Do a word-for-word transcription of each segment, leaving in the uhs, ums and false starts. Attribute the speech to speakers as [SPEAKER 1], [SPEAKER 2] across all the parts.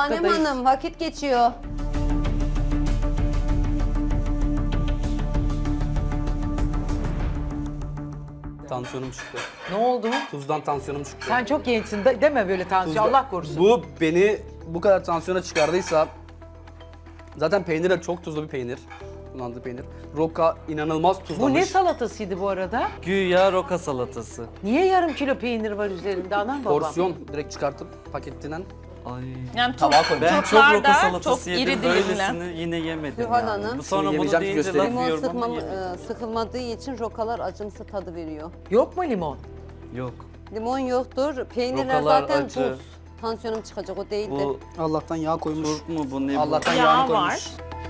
[SPEAKER 1] Tanem
[SPEAKER 2] dakikadayız.
[SPEAKER 1] Hanım vakit geçiyor.
[SPEAKER 3] Tansiyonum çıktı.
[SPEAKER 2] Ne oldu?
[SPEAKER 3] Tuzdan tansiyonum çıktı.
[SPEAKER 2] Sen çok gençsin de, deme böyle tansiyon.
[SPEAKER 3] Tuzdan-
[SPEAKER 2] Allah korusun.
[SPEAKER 3] Bu beni bu kadar tansiyona çıkardıysa zaten peynir de çok tuzlu bir peynir. Kullandığı peynir. Roka inanılmaz tuzlamış.
[SPEAKER 2] Bu ne salatasıydı bu arada?
[SPEAKER 4] Güya roka salatası.
[SPEAKER 2] Niye yarım kilo peynir var üzerinde anam babam?
[SPEAKER 3] Porsiyon direkt çıkartıp paketinden.
[SPEAKER 4] Ay.
[SPEAKER 5] Yani
[SPEAKER 3] Tabağa koy.
[SPEAKER 4] Ben çok
[SPEAKER 5] turplar
[SPEAKER 4] roka
[SPEAKER 5] da
[SPEAKER 4] salatası
[SPEAKER 5] çok
[SPEAKER 4] yedim.
[SPEAKER 5] iri dilimler.
[SPEAKER 4] Böylesini yine yemedim.
[SPEAKER 1] Zuhal
[SPEAKER 4] yani.
[SPEAKER 1] Hanım.
[SPEAKER 4] Bu sonra
[SPEAKER 3] Şimdi
[SPEAKER 4] bunu
[SPEAKER 3] yemeyeceğim,
[SPEAKER 4] deyince laf
[SPEAKER 3] göstereyim.
[SPEAKER 1] Limon
[SPEAKER 4] yiyorum ama
[SPEAKER 1] sıkmam,
[SPEAKER 4] yemedim.
[SPEAKER 1] e, sıkılmadığı için rokalar acımsı tadı veriyor.
[SPEAKER 2] Yok mu limon?
[SPEAKER 4] Yok.
[SPEAKER 1] Limon yoktur. Peynirler
[SPEAKER 4] Rokalar
[SPEAKER 1] zaten
[SPEAKER 4] acı.
[SPEAKER 1] tuz. Tansiyonum çıkacak o değildi.
[SPEAKER 4] Bu
[SPEAKER 3] Allah'tan yağ koymuş.
[SPEAKER 4] turp mu bu ne bu?
[SPEAKER 3] Allah'tan
[SPEAKER 5] Yağ
[SPEAKER 3] yağını
[SPEAKER 5] var.
[SPEAKER 3] koymuş.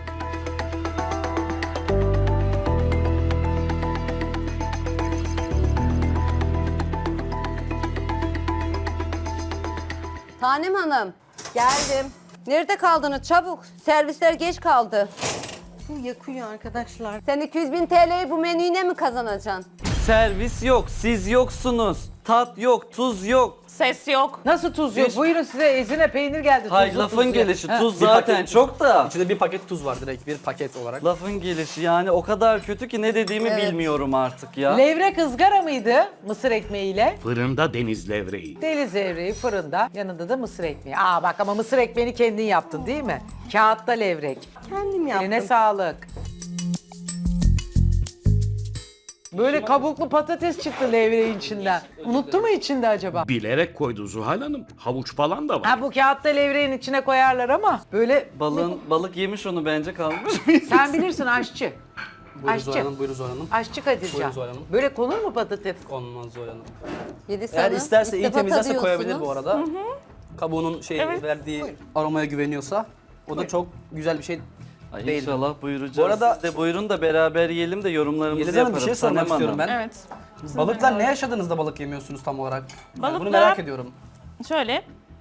[SPEAKER 1] Tanem Hanım geldim. Nerede kaldınız? Çabuk. Servisler geç kaldı.
[SPEAKER 6] Bu yakıyor arkadaşlar.
[SPEAKER 1] Sen iki yüz bin T L'yi bu menüyle mi kazanacaksın?
[SPEAKER 4] Servis yok, siz yoksunuz. Tat yok, tuz yok.
[SPEAKER 5] Ses yok.
[SPEAKER 2] Nasıl tuz yok?
[SPEAKER 4] Hiç-
[SPEAKER 2] Buyurun size ezine peynir geldi.
[SPEAKER 4] Hay
[SPEAKER 2] tuzlu
[SPEAKER 4] lafın
[SPEAKER 2] tuzlu.
[SPEAKER 4] gelişi,
[SPEAKER 2] Ha.
[SPEAKER 4] tuz
[SPEAKER 3] Bir
[SPEAKER 4] zaten
[SPEAKER 3] paket-
[SPEAKER 4] çok da.
[SPEAKER 3] İçinde bir paket tuz var direkt bir paket olarak.
[SPEAKER 4] Lafın gelişi yani o kadar kötü ki ne dediğimi
[SPEAKER 1] Evet.
[SPEAKER 4] bilmiyorum artık ya.
[SPEAKER 2] Levrek ızgara mıydı mısır ekmeğiyle?
[SPEAKER 7] Fırında deniz levreği.
[SPEAKER 2] Deniz levreği fırında, yanında da mısır ekmeği. Aa bak ama mısır ekmeğini kendin yaptın değil mi? Kağıtta levrek.
[SPEAKER 6] Kendim yaptım.
[SPEAKER 2] Eline sağlık. Böyle kabuklu patates çıktı levreğin içinden. Unuttu mu içinde acaba?
[SPEAKER 7] Bilerek koydu Zuhal Hanım. Havuç falan da var.
[SPEAKER 2] Ha bu kağıtta levreğin içine koyarlar ama böyle
[SPEAKER 4] Balığın, balık yemiş onu bence kalmış.
[SPEAKER 2] sen bilirsin aşçı.
[SPEAKER 3] Buyurun Zuhal
[SPEAKER 2] Aşçı.
[SPEAKER 3] Hanım, buyurun Zuhal Hanım.
[SPEAKER 2] Aşçı Kadircan.
[SPEAKER 3] Buyurun Zuhal Hanım.
[SPEAKER 2] Böyle konur mu patates?
[SPEAKER 3] Olmaz Zuhal Hanım.
[SPEAKER 1] Yedi
[SPEAKER 3] Eğer
[SPEAKER 1] sana.
[SPEAKER 3] isterse
[SPEAKER 1] İlk
[SPEAKER 3] iyi
[SPEAKER 1] defa
[SPEAKER 3] temizlerse koyabilir
[SPEAKER 1] tadıyorsunuz.
[SPEAKER 3] bu arada. Kabuğunun şey
[SPEAKER 5] Evet.
[SPEAKER 3] verdiği aromaya güveniyorsa o da çok güzel bir şey
[SPEAKER 4] Ay
[SPEAKER 3] değil.
[SPEAKER 4] inşallah buyuracağız.
[SPEAKER 3] Bu arada-
[SPEAKER 4] Siz de buyurun da beraber yiyelim de yorumlarımızı
[SPEAKER 3] Yeliz Hanım
[SPEAKER 4] yaparım.
[SPEAKER 3] bir şey sormak
[SPEAKER 4] Sanem
[SPEAKER 3] istiyorum
[SPEAKER 4] Hanım.
[SPEAKER 3] ben.
[SPEAKER 5] Evet.
[SPEAKER 3] Balıkla ne yaşadınız da balık yemiyorsunuz tam olarak? Yani bunu
[SPEAKER 5] Balıkla-
[SPEAKER 3] merak ediyorum.
[SPEAKER 5] Şöyle.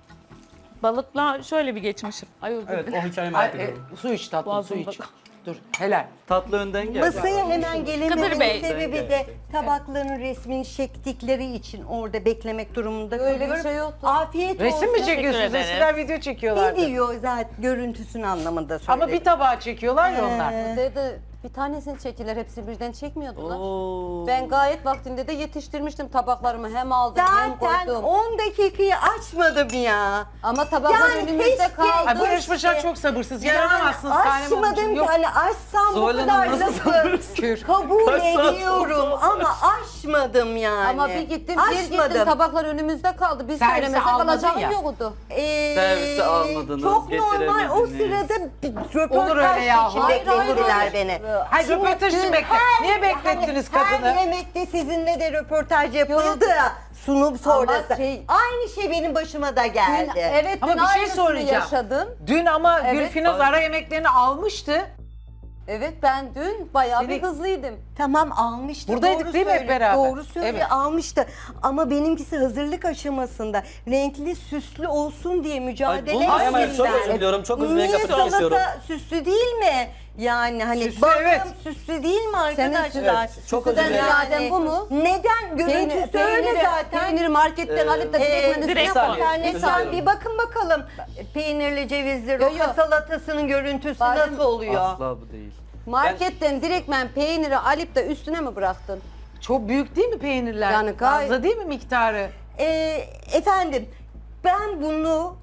[SPEAKER 5] Balıkla şöyle bir geçmişim. Ay özür
[SPEAKER 3] Evet
[SPEAKER 5] dilerim.
[SPEAKER 3] o hikayeyi
[SPEAKER 2] Ay,
[SPEAKER 3] merak
[SPEAKER 2] e,
[SPEAKER 3] ediyorum.
[SPEAKER 2] su iç tatlım su
[SPEAKER 5] Boğazımda
[SPEAKER 2] iç.
[SPEAKER 5] kal-
[SPEAKER 2] Dur helal.
[SPEAKER 4] Tatlı önden gel.
[SPEAKER 6] Masaya hemen
[SPEAKER 5] Kadir
[SPEAKER 6] gelememenin
[SPEAKER 5] Bey.
[SPEAKER 6] sebebi de tabakların resmini çektikleri için orada beklemek durumunda
[SPEAKER 1] Öyle bir
[SPEAKER 6] kalıyorum.
[SPEAKER 1] şey yoktu.
[SPEAKER 6] Afiyet
[SPEAKER 2] Resim mi
[SPEAKER 6] olsun.
[SPEAKER 2] çekiyorsunuz?
[SPEAKER 5] ederiz.
[SPEAKER 2] Eskiden video çekiyorlardı.
[SPEAKER 6] Video zaten görüntüsünü anlamında söyledim.
[SPEAKER 2] Ama bir tabağa çekiyorlar ya onlar.
[SPEAKER 6] Ee,
[SPEAKER 1] Dedi bir tanesini çektiler hepsi birden çekmiyordular.
[SPEAKER 4] Oo.
[SPEAKER 1] Ben gayet vaktinde de yetiştirmiştim tabaklarımı hem aldım hem
[SPEAKER 6] Zaten
[SPEAKER 1] koydum.
[SPEAKER 6] on dakikayı açmadım ya.
[SPEAKER 1] Ama tabaklar
[SPEAKER 6] Yani
[SPEAKER 1] önümüzde
[SPEAKER 6] keşke-
[SPEAKER 1] kaldı.
[SPEAKER 2] Ay bu yarışmacılar çok sabırsız. Yaranamazsınız Sanem Hanımcığım.
[SPEAKER 6] açmadım ki
[SPEAKER 2] Yok.
[SPEAKER 6] hani açsam bu
[SPEAKER 4] Zuhal
[SPEAKER 6] kadar
[SPEAKER 4] Hanım nasıl
[SPEAKER 6] lafı
[SPEAKER 2] Kür.
[SPEAKER 6] kabul
[SPEAKER 4] Kaç saat
[SPEAKER 6] ediyorum
[SPEAKER 4] oldu?
[SPEAKER 6] ama açmadım yani.
[SPEAKER 1] Ama bir gittim bir gittim
[SPEAKER 6] Açmadım.
[SPEAKER 1] tabaklar önümüzde kaldı. Biz
[SPEAKER 2] Servise
[SPEAKER 1] söylemesek
[SPEAKER 2] almadın
[SPEAKER 1] alacağım
[SPEAKER 2] ya.
[SPEAKER 1] yoktu.
[SPEAKER 6] Ee,
[SPEAKER 4] Servise almadınız,
[SPEAKER 6] Çok normal o
[SPEAKER 4] getiremediniz.
[SPEAKER 6] sırada bir
[SPEAKER 2] Olur öyle
[SPEAKER 6] röportaj
[SPEAKER 2] yahu.
[SPEAKER 6] için
[SPEAKER 1] Hayır, hayır,
[SPEAKER 6] beklediler
[SPEAKER 1] hayır.
[SPEAKER 6] beni.
[SPEAKER 2] Hayır
[SPEAKER 6] Şimdi
[SPEAKER 2] röportaj için
[SPEAKER 6] dün
[SPEAKER 2] bekle.
[SPEAKER 6] her-
[SPEAKER 2] Niye beklettiniz
[SPEAKER 6] hani
[SPEAKER 2] kadını?
[SPEAKER 6] Her yemekte sizinle de röportaj yapıldı ya sunum sonrası.
[SPEAKER 1] şey-
[SPEAKER 6] Aynı şey benim başıma da geldi.
[SPEAKER 1] Dün, evet
[SPEAKER 2] Ama
[SPEAKER 1] dün
[SPEAKER 2] bir şey
[SPEAKER 1] aynısını
[SPEAKER 2] soracağım.
[SPEAKER 1] yaşadın.
[SPEAKER 2] Dün ama
[SPEAKER 1] Evet.
[SPEAKER 2] Gülfinaz ara yemeklerini almıştı.
[SPEAKER 1] Evet ben dün bayağı
[SPEAKER 2] Seni-
[SPEAKER 1] bir hızlıydım.
[SPEAKER 6] Tamam almıştı.
[SPEAKER 2] Buradaydık
[SPEAKER 6] doğru
[SPEAKER 2] değil mi hep
[SPEAKER 6] söylüyor,
[SPEAKER 2] beraber?
[SPEAKER 6] Doğru söylüyor
[SPEAKER 2] Evet.
[SPEAKER 6] almıştı. Ama benimkisi hazırlık aşamasında renkli süslü olsun diye mücadele
[SPEAKER 4] bunu
[SPEAKER 3] Ay, ama
[SPEAKER 6] ettim
[SPEAKER 3] çok
[SPEAKER 6] ben.
[SPEAKER 3] özür diliyorum, çok özür
[SPEAKER 6] Niye
[SPEAKER 3] dilerim, lafını
[SPEAKER 6] salata
[SPEAKER 3] kesiyorum.
[SPEAKER 6] süslü değil mi? Yani hani
[SPEAKER 2] Süslü,
[SPEAKER 6] bakım
[SPEAKER 2] evet.
[SPEAKER 6] süslü değil mi
[SPEAKER 1] Senin
[SPEAKER 6] arkadaşlar?
[SPEAKER 1] süslü-
[SPEAKER 3] çok özür
[SPEAKER 1] süslüden
[SPEAKER 3] dilerim.
[SPEAKER 1] ziyade bu mu?
[SPEAKER 6] Neden? Görüntüsü öyle
[SPEAKER 1] peyniri,
[SPEAKER 6] zaten.
[SPEAKER 1] peyniri marketten alıp da
[SPEAKER 6] Ee,
[SPEAKER 1] direkt menüsüne
[SPEAKER 5] direkt
[SPEAKER 1] koy.
[SPEAKER 3] saniye.
[SPEAKER 6] İnternetten
[SPEAKER 3] Özür
[SPEAKER 6] bir bakın bakalım. Peynirli cevizli
[SPEAKER 1] Yo,
[SPEAKER 6] roka
[SPEAKER 1] yo.
[SPEAKER 6] salatasının görüntüsü
[SPEAKER 1] Badem-
[SPEAKER 6] nasıl oluyor?
[SPEAKER 4] Asla bu değil.
[SPEAKER 1] Marketten direktmen peyniri alıp da üstüne mi bıraktın?
[SPEAKER 2] Çok büyük değil mi peynirler?
[SPEAKER 1] Yani gayet-
[SPEAKER 2] Fazla değil mi miktarı?
[SPEAKER 6] Ee, efendim ben bunu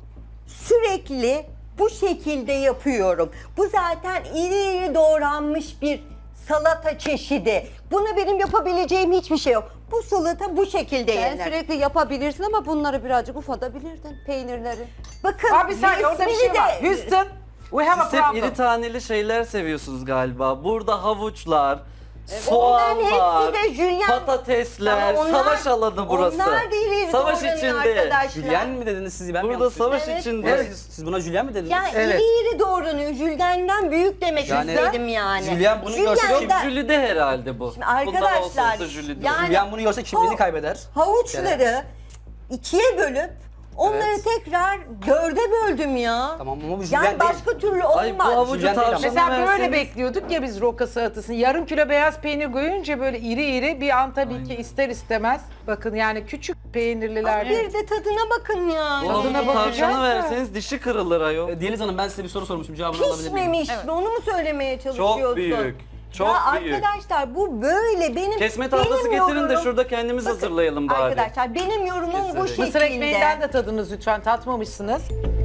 [SPEAKER 6] sürekli bu şekilde yapıyorum. Bu zaten iri iri doğranmış bir salata çeşidi. Buna benim yapabileceğim hiçbir şey yok. Bu salata bu şekilde
[SPEAKER 1] Sen
[SPEAKER 6] yenir.
[SPEAKER 1] sürekli yapabilirsin ama bunları birazcık ufaltabilirdin peynirleri.
[SPEAKER 6] Bakın
[SPEAKER 2] Abi bir saniye orada bir şey
[SPEAKER 6] resmini
[SPEAKER 2] var.
[SPEAKER 6] de-
[SPEAKER 2] Houston, we have a
[SPEAKER 4] Siz hep
[SPEAKER 2] problem.
[SPEAKER 4] iri taneli şeyler seviyorsunuz galiba. Burada havuçlar,
[SPEAKER 6] Onların
[SPEAKER 4] soğanlar,
[SPEAKER 6] hepsi de jülyen.
[SPEAKER 4] patatesler,
[SPEAKER 6] Ama onlar-
[SPEAKER 4] savaş alanı burası.
[SPEAKER 6] Onlar da iri iri
[SPEAKER 4] Savaş
[SPEAKER 6] doğranıyor
[SPEAKER 4] içinde.
[SPEAKER 6] arkadaşlar.
[SPEAKER 3] Jülyen mi dediniz siz? Ben mi
[SPEAKER 4] Burada
[SPEAKER 3] yanlış duydum?
[SPEAKER 4] savaş
[SPEAKER 6] Evet.
[SPEAKER 4] içinde.
[SPEAKER 3] Evet, siz, siz buna jülyen mi dediniz?
[SPEAKER 6] Ya
[SPEAKER 2] Evet.
[SPEAKER 6] iri iri doğranıyor. Jüldenden büyük demek
[SPEAKER 3] Yani-
[SPEAKER 6] istedim yani.
[SPEAKER 3] Jülyen bunu görse
[SPEAKER 6] Jülyenden-
[SPEAKER 3] kim-
[SPEAKER 4] Jülide herhalde bu.
[SPEAKER 6] Şimdi arkadaşlar,
[SPEAKER 4] Bundan olsa olsa jülide.
[SPEAKER 6] yani-
[SPEAKER 3] Jülyen bunu görse kimliğini
[SPEAKER 6] O-
[SPEAKER 3] kaybeder.
[SPEAKER 6] Havuçları ikiye bölüp onları
[SPEAKER 3] Evet.
[SPEAKER 6] tekrar dörde böldüm ya.
[SPEAKER 3] Tamam ama bu jülyen
[SPEAKER 6] Yani
[SPEAKER 3] değil.
[SPEAKER 6] başka türlü
[SPEAKER 4] Ay bu
[SPEAKER 6] olmaz.
[SPEAKER 4] havucu
[SPEAKER 3] Jülyen değil ama.
[SPEAKER 4] tavşana
[SPEAKER 2] Mesela böyle
[SPEAKER 4] verseniz-
[SPEAKER 2] bekliyorduk ya biz roka salatasını. Yarım kilo beyaz peynir koyunca böyle iri iri bir an tabii ki ister istemez. Bakın yani küçük peynirliler.
[SPEAKER 6] Bir de tadına bakın ya.
[SPEAKER 4] Bunun
[SPEAKER 2] Tadına
[SPEAKER 4] bu
[SPEAKER 2] bakacağız
[SPEAKER 4] tavşanı
[SPEAKER 2] da.
[SPEAKER 4] verseniz dişi kırılır ayol.
[SPEAKER 3] E, Deniz Hanım ben size bir soru sormuşum. Cevabını alabilir miyim?
[SPEAKER 6] Pişmemiş. Onu mu söylemeye çalışıyorsun?
[SPEAKER 4] Çok büyük. Çok
[SPEAKER 6] ya
[SPEAKER 4] büyük.
[SPEAKER 6] arkadaşlar bu böyle benim
[SPEAKER 4] Kesme tahtası
[SPEAKER 6] benim
[SPEAKER 4] getirin de
[SPEAKER 6] yorumum-
[SPEAKER 4] şurada kendimiz
[SPEAKER 6] Bakın,
[SPEAKER 4] hazırlayalım bari.
[SPEAKER 6] Arkadaşlar benim yorumum bu
[SPEAKER 4] Keserek.
[SPEAKER 6] şekilde.
[SPEAKER 2] Mısır ekmeğinden de tadınız lütfen, tatmamışsınız.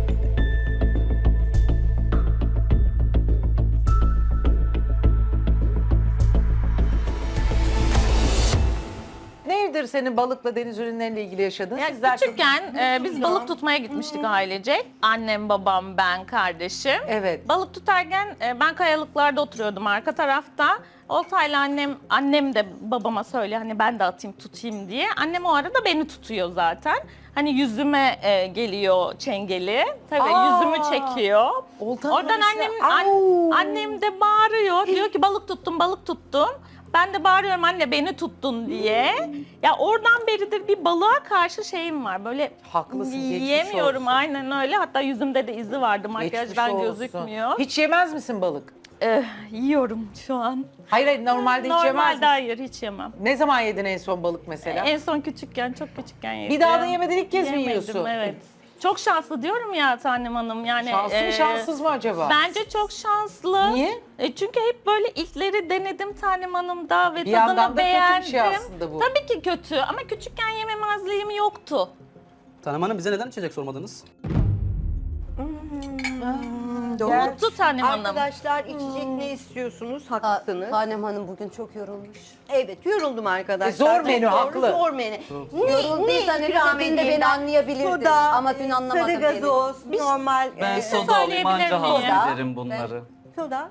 [SPEAKER 2] Nedir senin balıkla deniz ürünleriyle ilgili yaşadığın?
[SPEAKER 5] Ya
[SPEAKER 2] Sizler çok-
[SPEAKER 5] küçükken e, biz balık tutmaya gitmiştik ailecek. Annem, babam, ben, kardeşim.
[SPEAKER 2] Evet.
[SPEAKER 5] Balık tutarken e, ben kayalıklarda oturuyordum arka tarafta. Oltayla annem, annem de babama söyle hani ben de atayım tutayım diye. Annem o arada beni tutuyor zaten. Hani yüzüme e, geliyor çengeli. Tabii
[SPEAKER 2] Aa!
[SPEAKER 5] yüzümü çekiyor.
[SPEAKER 2] Oltanın
[SPEAKER 5] Oradan
[SPEAKER 2] arası-
[SPEAKER 5] annem,
[SPEAKER 2] Au!
[SPEAKER 5] an- annem de bağırıyor. Diyor ki balık tuttum, balık tuttum. Ben de bağırıyorum anne beni tuttun diye. Ya oradan beridir bir balığa karşı şeyim var. Böyle
[SPEAKER 2] Haklısın, geçmiş
[SPEAKER 5] yiyemiyorum
[SPEAKER 2] olsun.
[SPEAKER 5] aynen öyle. Hatta yüzümde de izi vardı.
[SPEAKER 2] Geçmiş
[SPEAKER 5] Makyajdan
[SPEAKER 2] olsun.
[SPEAKER 5] gözükmüyor.
[SPEAKER 2] Hiç yemez misin balık?
[SPEAKER 5] Eh, yiyorum şu an.
[SPEAKER 2] Hayır hayır, normalde hiç yemez
[SPEAKER 5] Normalde
[SPEAKER 2] misin?
[SPEAKER 5] hayır hiç yemem.
[SPEAKER 2] Ne zaman yedin en son balık mesela?
[SPEAKER 5] En son küçükken, çok küçükken yedim.
[SPEAKER 2] Bir daha da yemedin, ilk kez mi
[SPEAKER 5] Yemedim,
[SPEAKER 2] yiyorsun?
[SPEAKER 5] evet. Çok şanslı diyorum ya Tanem Hanım. Yani
[SPEAKER 2] Şanslı mı
[SPEAKER 5] e,
[SPEAKER 2] şanssız mı acaba?
[SPEAKER 5] Bence çok şanslı.
[SPEAKER 2] Niye?
[SPEAKER 5] E çünkü hep böyle ilkleri denedim Tanem Hanım'da ve
[SPEAKER 2] Bir yandan
[SPEAKER 5] tadını
[SPEAKER 2] da kötü bir
[SPEAKER 5] beğendim.
[SPEAKER 2] şey aslında bu.
[SPEAKER 5] Tabii ki kötü ama küçükken yememezliğim yoktu.
[SPEAKER 3] Tanem Hanım bize neden içecek sormadınız?
[SPEAKER 5] Unuttu Tanem Hanım.
[SPEAKER 6] Arkadaşlar içecek ne istiyorsunuz?
[SPEAKER 1] Ta-
[SPEAKER 6] Haklısınız.
[SPEAKER 1] Tanem Hanım bugün çok yorulmuş.
[SPEAKER 6] Evet yoruldum arkadaşlar.
[SPEAKER 2] E, zor
[SPEAKER 6] Çok
[SPEAKER 2] menü,
[SPEAKER 6] doğru,
[SPEAKER 2] haklı.
[SPEAKER 6] Zor menü. Ne,
[SPEAKER 1] Yorulduysa
[SPEAKER 6] ne
[SPEAKER 1] ne
[SPEAKER 6] ikram
[SPEAKER 1] dediğinde
[SPEAKER 6] edeyim
[SPEAKER 1] beni
[SPEAKER 6] ben?
[SPEAKER 1] anlayabilirdin.
[SPEAKER 6] Soda,
[SPEAKER 1] Ama dün anlamadın
[SPEAKER 6] sarı
[SPEAKER 1] beni.
[SPEAKER 6] gazoz, normal.
[SPEAKER 4] Ben
[SPEAKER 6] e,
[SPEAKER 4] soda alayım anca
[SPEAKER 5] söyleyebilir miyim?
[SPEAKER 4] hallederim bunları.
[SPEAKER 6] Soda.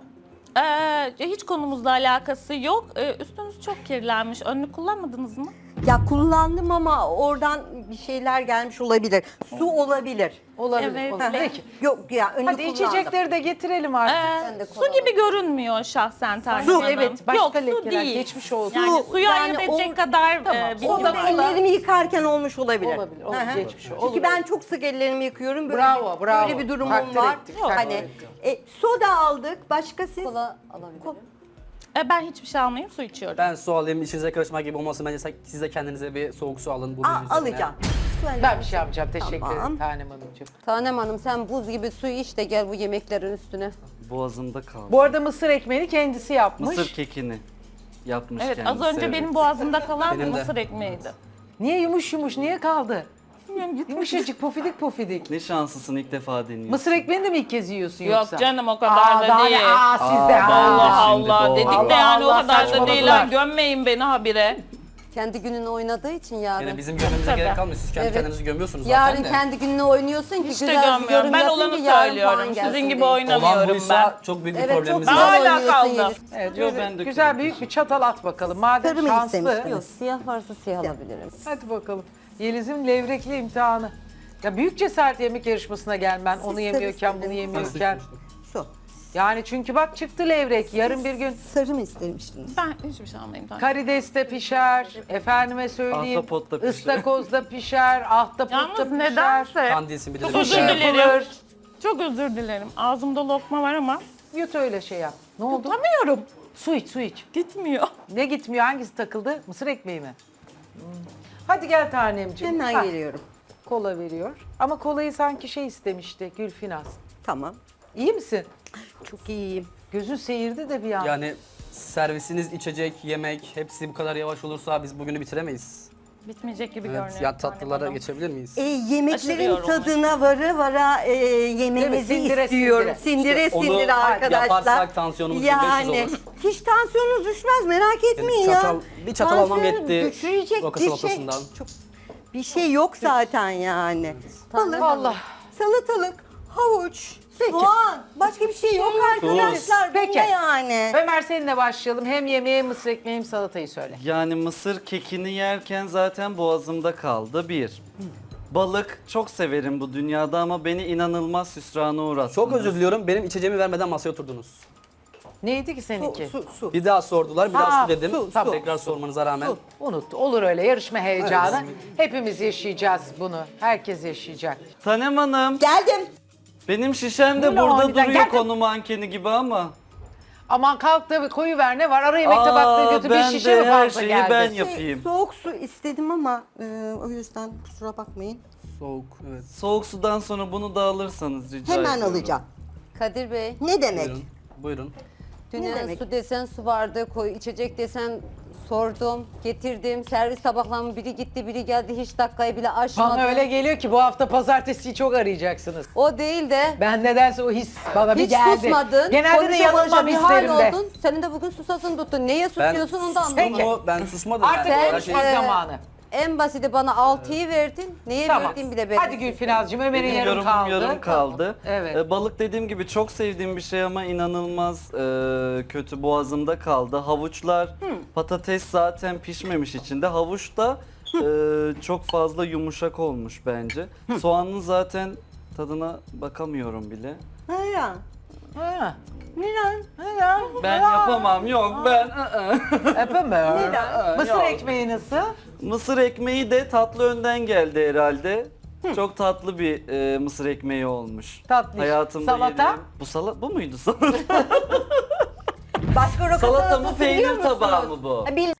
[SPEAKER 5] Ee, hiç konumuzla alakası yok. Ee, üstünüz çok kirlenmiş. Önlük kullanmadınız mı?
[SPEAKER 6] Ya kullandım ama oradan bir şeyler gelmiş olabilir. Su olabilir.
[SPEAKER 2] Olabilir.
[SPEAKER 5] Evet.
[SPEAKER 2] olabilir. Peki.
[SPEAKER 6] Yok ya önlük
[SPEAKER 2] Hadi
[SPEAKER 6] kullandım.
[SPEAKER 2] içecekleri de getirelim artık.
[SPEAKER 5] Ee,
[SPEAKER 1] Ben de
[SPEAKER 5] su
[SPEAKER 1] kola
[SPEAKER 5] gibi görünmüyor şahsen Tanem
[SPEAKER 2] Su,
[SPEAKER 5] Hanım.
[SPEAKER 2] evet, başka
[SPEAKER 5] Yok, su
[SPEAKER 2] lekeler,
[SPEAKER 5] değil.
[SPEAKER 2] geçmiş olsun.
[SPEAKER 5] Yani
[SPEAKER 6] Su,
[SPEAKER 5] suyu
[SPEAKER 6] yani
[SPEAKER 5] ayırt edecek
[SPEAKER 6] o-
[SPEAKER 5] kadar
[SPEAKER 2] Tamam,
[SPEAKER 5] e,
[SPEAKER 2] o
[SPEAKER 6] O
[SPEAKER 5] bilgim
[SPEAKER 6] da
[SPEAKER 5] var.
[SPEAKER 6] ellerimi yıkarken olmuş olabilir.
[SPEAKER 2] Olabilir, olur,
[SPEAKER 6] Hı hı.
[SPEAKER 2] geçmiş olur.
[SPEAKER 6] Çünkü
[SPEAKER 2] Olur,
[SPEAKER 6] ben
[SPEAKER 2] olur.
[SPEAKER 6] çok sık ellerimi yıkıyorum. Böyle
[SPEAKER 2] Bravo,
[SPEAKER 6] bir,
[SPEAKER 2] bravo.
[SPEAKER 6] Böyle bir durumum
[SPEAKER 2] Takdir
[SPEAKER 6] var.
[SPEAKER 2] ettik, takdir
[SPEAKER 6] Hani
[SPEAKER 2] ettik.
[SPEAKER 6] e, soda aldık. Başka siz?
[SPEAKER 1] Kola alabilirim.
[SPEAKER 5] E, ben hiçbir şey almayayım, su içiyorum.
[SPEAKER 3] Ben su alayım, içinize karışmak gibi olmasın. Bence sen- siz de kendinize bir soğuk su alın. Bu
[SPEAKER 6] Aa,
[SPEAKER 3] menü üzerine.
[SPEAKER 6] alacağım.
[SPEAKER 2] Ben bir şey yapacağım. Teşekkür
[SPEAKER 6] Tamam.
[SPEAKER 2] ederim Tanem Hanımcığım.
[SPEAKER 1] Tanem Hanım sen buz gibi suyu iç de gel bu yemeklerin üstüne.
[SPEAKER 4] Boğazımda kaldı.
[SPEAKER 2] Bu arada mısır ekmeğini kendisi yapmış.
[SPEAKER 4] Mısır kekini yapmış
[SPEAKER 5] Evet, az
[SPEAKER 4] kendisi,
[SPEAKER 5] önce
[SPEAKER 4] evet.
[SPEAKER 5] benim boğazımda kalan
[SPEAKER 3] Benim de.
[SPEAKER 5] mısır ekmeğiydi.
[SPEAKER 2] Niye yumuş yumuş, niye kaldı?
[SPEAKER 5] Bilmiyorum, gitmiş.
[SPEAKER 2] Yumuşacık, pofidik pofidik.
[SPEAKER 4] Ne şanslısın, ilk defa deniyorsun.
[SPEAKER 2] Mısır ekmeğini de mi ilk kez yiyorsun
[SPEAKER 5] Yok
[SPEAKER 2] yoksa?
[SPEAKER 5] canım o kadar
[SPEAKER 2] Aa,
[SPEAKER 5] da
[SPEAKER 2] daha
[SPEAKER 5] değil.
[SPEAKER 2] ne? Aa, siz de.
[SPEAKER 5] Allah
[SPEAKER 2] Aa.
[SPEAKER 4] şimdi
[SPEAKER 5] Allah
[SPEAKER 4] doğru.
[SPEAKER 5] dedik
[SPEAKER 2] Allah
[SPEAKER 5] de yani
[SPEAKER 2] Allah,
[SPEAKER 5] o kadar da
[SPEAKER 2] saçmaladılar.
[SPEAKER 5] değil. ha. Gömmeyin beni habire.
[SPEAKER 1] Kendi gününü oynadığı için yarın.
[SPEAKER 3] Yani bizim gömmemize
[SPEAKER 5] Tabii.
[SPEAKER 3] gerek kalmıyor. Siz kendi
[SPEAKER 1] Evet.
[SPEAKER 3] kendinizi gömüyorsunuz
[SPEAKER 1] Yarın
[SPEAKER 3] zaten de.
[SPEAKER 1] kendi gününü oynuyorsun ki
[SPEAKER 5] Hiç de
[SPEAKER 1] güzel bir
[SPEAKER 5] gömmüyorum.
[SPEAKER 1] yorum
[SPEAKER 5] Ben
[SPEAKER 1] yapın
[SPEAKER 5] olanı
[SPEAKER 1] ki yarın
[SPEAKER 5] söylüyorum.
[SPEAKER 1] puan gelsin
[SPEAKER 5] Sizin gibi
[SPEAKER 1] diye.
[SPEAKER 3] Olan
[SPEAKER 5] oynamıyorum ben.
[SPEAKER 3] buysa çok büyük bir
[SPEAKER 1] Evet,
[SPEAKER 3] problemimiz
[SPEAKER 1] çok
[SPEAKER 3] var.
[SPEAKER 5] Hala
[SPEAKER 1] güzel oynuyorsun
[SPEAKER 5] kaldı.
[SPEAKER 1] Yeliz.
[SPEAKER 2] Evet,
[SPEAKER 4] Yo,
[SPEAKER 2] böyle
[SPEAKER 4] ben de
[SPEAKER 2] güzel
[SPEAKER 4] kötü.
[SPEAKER 2] büyük bir çatal at bakalım. Madem
[SPEAKER 6] Sarı mı
[SPEAKER 2] şanslı.
[SPEAKER 6] istemiştiniz?
[SPEAKER 1] Yok siyah varsa siyah alabilirim.
[SPEAKER 2] Hadi bakalım. Yeliz'in levrekli imtihanı. Ya büyük cesaret yemek yarışmasına gelmen. Onu
[SPEAKER 6] sarı
[SPEAKER 2] yemiyorken
[SPEAKER 6] sarı.
[SPEAKER 2] bunu yemiyorken.
[SPEAKER 6] Su.
[SPEAKER 2] Yani çünkü bak çıktı levrek. Yarın bir gün
[SPEAKER 6] Sarı mı istemiştiniz?
[SPEAKER 5] Ben hiçbir şey almayayım. Tanem.
[SPEAKER 2] karides de pişer. Efendime söyleyeyim.
[SPEAKER 4] Ahtapot da pişer.
[SPEAKER 2] ıstakoz da pişer. Ahtapot da
[SPEAKER 5] Yalnız
[SPEAKER 2] pişer.
[SPEAKER 5] nedense
[SPEAKER 3] Kandilsin bir de.
[SPEAKER 5] çok özür
[SPEAKER 2] Sushi
[SPEAKER 5] dilerim.
[SPEAKER 2] yapılır.
[SPEAKER 5] Çok özür dilerim. Ağzımda lokma var ama
[SPEAKER 2] Yut öyle şey yap. Ne oldu?
[SPEAKER 5] tutamıyorum.
[SPEAKER 2] Su iç, su iç.
[SPEAKER 5] Gitmiyor.
[SPEAKER 2] Ne gitmiyor? Hangisi takıldı? Mısır ekmeği mi? Hmm. Hadi gel tanemciğim.
[SPEAKER 6] Hemen
[SPEAKER 2] Hah,
[SPEAKER 6] geliyorum.
[SPEAKER 2] Kola veriyor. Ama kolayı sanki şey istemişti. Gülfinaz.
[SPEAKER 6] Tamam.
[SPEAKER 2] İyi misin?
[SPEAKER 6] Çok iyiyim.
[SPEAKER 2] Gözün seyirdi de bir an.
[SPEAKER 3] Yani servisiniz, içecek, yemek hepsi bu kadar yavaş olursa biz bugünü bitiremeyiz.
[SPEAKER 5] Bitmeyecek gibi
[SPEAKER 3] Evet,
[SPEAKER 5] görünüyor.
[SPEAKER 3] ya
[SPEAKER 5] Tanem
[SPEAKER 3] tatlılara
[SPEAKER 5] Hanım.
[SPEAKER 3] geçebilir miyiz?
[SPEAKER 6] E,
[SPEAKER 5] Aşırı
[SPEAKER 6] yemeklerin
[SPEAKER 5] yorulmuş.
[SPEAKER 6] tadına vara vara e, yemenizi
[SPEAKER 2] Sindire,
[SPEAKER 6] istiyorum.
[SPEAKER 2] sindire.
[SPEAKER 6] Sindire
[SPEAKER 3] İşte onu
[SPEAKER 6] sindire arkadaşlar.
[SPEAKER 3] yaparsak tansiyonumuz bin beş yüz
[SPEAKER 6] Yani
[SPEAKER 3] olur.
[SPEAKER 6] hiç tansiyonunuz düşmez merak etmeyin ya.
[SPEAKER 3] çatal- bir çatal almam
[SPEAKER 6] Tansiyonu
[SPEAKER 3] yetti
[SPEAKER 6] düşürecek
[SPEAKER 3] roka
[SPEAKER 6] bir şey,
[SPEAKER 3] salatasından.
[SPEAKER 6] çok, bir şey yok zaten yani. Balık,
[SPEAKER 2] Vallahi.
[SPEAKER 6] salatalık, havuç, soğan. Başka bir şey yok arkadaşlar.
[SPEAKER 2] Peki.
[SPEAKER 6] Bunda yani.
[SPEAKER 2] Ömer seninle başlayalım. Hem yemeği, hem mısır ekmeği, hem salatayı söyle.
[SPEAKER 4] Yani mısır kekini yerken zaten boğazımda kaldı bir. Balık çok severim bu dünyada ama beni inanılmaz hüsrana uğrattınız.
[SPEAKER 3] Çok özür diliyorum. Benim içeceğimi vermeden masaya oturdunuz.
[SPEAKER 2] Neydi ki
[SPEAKER 6] Su,
[SPEAKER 2] seninki?
[SPEAKER 6] su, su.
[SPEAKER 3] Bir daha sordular, bir
[SPEAKER 2] Ha,
[SPEAKER 3] daha su dedim.
[SPEAKER 2] su, su.
[SPEAKER 3] Tekrar sormanıza rağmen.
[SPEAKER 6] Su.
[SPEAKER 2] Unut. Olur öyle yarışma heyecanı. Hepimiz yaşayacağız bunu. Herkes yaşayacak.
[SPEAKER 4] Tanem Hanım,
[SPEAKER 6] Geldim.
[SPEAKER 4] benim şişem de
[SPEAKER 2] Böyle
[SPEAKER 4] burada
[SPEAKER 2] aniden
[SPEAKER 4] duruyor
[SPEAKER 2] geldim.
[SPEAKER 4] konu mankeni gibi ama.
[SPEAKER 2] Aman kalk da koyu ver ne var? Ara yemek tabakları götür bir
[SPEAKER 4] ben
[SPEAKER 2] şişe
[SPEAKER 4] de
[SPEAKER 2] mi
[SPEAKER 4] her
[SPEAKER 2] fazla
[SPEAKER 4] şeyi
[SPEAKER 2] geldi?
[SPEAKER 4] ben
[SPEAKER 6] Şey,
[SPEAKER 4] yapayım.
[SPEAKER 6] soğuk su istedim ama e, o yüzden kusura bakmayın.
[SPEAKER 3] Soğuk, evet.
[SPEAKER 4] Soğuk sudan sonra bunu da alırsanız rica
[SPEAKER 6] Hemen
[SPEAKER 4] ediyorum.
[SPEAKER 6] alacağım.
[SPEAKER 1] Kadir Bey,
[SPEAKER 6] Ne demek?
[SPEAKER 3] Buyurun. Buyurun.
[SPEAKER 1] dünden
[SPEAKER 6] demek?
[SPEAKER 1] su desen su vardı, koy içecek desen sordum, getirdim. Servis tabaklarımın biri gitti, biri geldi. Hiç dakikayı bile aşmadı.
[SPEAKER 2] Bana öyle geliyor ki bu hafta pazartesiyi çok arayacaksınız.
[SPEAKER 1] O değil de
[SPEAKER 2] Ben nedense o his bana bir
[SPEAKER 1] hiç
[SPEAKER 2] geldi.
[SPEAKER 1] susmadın.
[SPEAKER 2] Genelde de
[SPEAKER 1] konuşa
[SPEAKER 2] yanılmam
[SPEAKER 1] konuşa bir hal
[SPEAKER 2] hislerimde.
[SPEAKER 1] oldun. Senin de bugün susasın tuttun. Neye
[SPEAKER 3] Ben
[SPEAKER 1] susuyorsun onu da
[SPEAKER 2] Peki.
[SPEAKER 1] anlamadım.
[SPEAKER 3] sustumu, ben susmadım.
[SPEAKER 2] Artık
[SPEAKER 3] yani. Her
[SPEAKER 2] konuşma
[SPEAKER 3] şey-
[SPEAKER 1] Ee,
[SPEAKER 2] zamanı.
[SPEAKER 1] En basiti bana altıyı verdin. Neye
[SPEAKER 2] Tamam.
[SPEAKER 1] verdiğin bile belli.
[SPEAKER 2] Hadi Gülfinazcığım Ömer'in
[SPEAKER 4] Benim
[SPEAKER 2] yarım
[SPEAKER 4] yorumum
[SPEAKER 2] kaldı.
[SPEAKER 4] yarım kaldı.
[SPEAKER 2] Evet.
[SPEAKER 4] Ee, balık dediğim gibi çok sevdiğim bir şey ama inanılmaz e, kötü boğazımda kaldı. Havuçlar, patates zaten pişmemiş içinde. Havuç da e, çok fazla yumuşak olmuş bence. Soğanın zaten tadına bakamıyorum bile.
[SPEAKER 6] Ha ya.
[SPEAKER 2] Ha.
[SPEAKER 6] Neden?
[SPEAKER 2] Ha.
[SPEAKER 4] Ben yapamam yok ben. ı-ı.
[SPEAKER 2] Yapamıyor.
[SPEAKER 6] Neden?
[SPEAKER 2] Mısır
[SPEAKER 4] Yok.
[SPEAKER 2] ekmeği nasıl?
[SPEAKER 4] Mısır ekmeği de tatlı önden geldi herhalde. Çok tatlı bir e, mısır ekmeği olmuş.
[SPEAKER 2] Tatlış.
[SPEAKER 4] Hayatımda
[SPEAKER 2] Salata?
[SPEAKER 4] yediğim- Bu salata bu muydu salata?
[SPEAKER 6] Başka roka
[SPEAKER 4] Salata mı
[SPEAKER 6] salatası biliyor
[SPEAKER 4] peynir
[SPEAKER 6] musunuz?
[SPEAKER 4] tabağı mı bu?
[SPEAKER 6] Ha, Bilmem.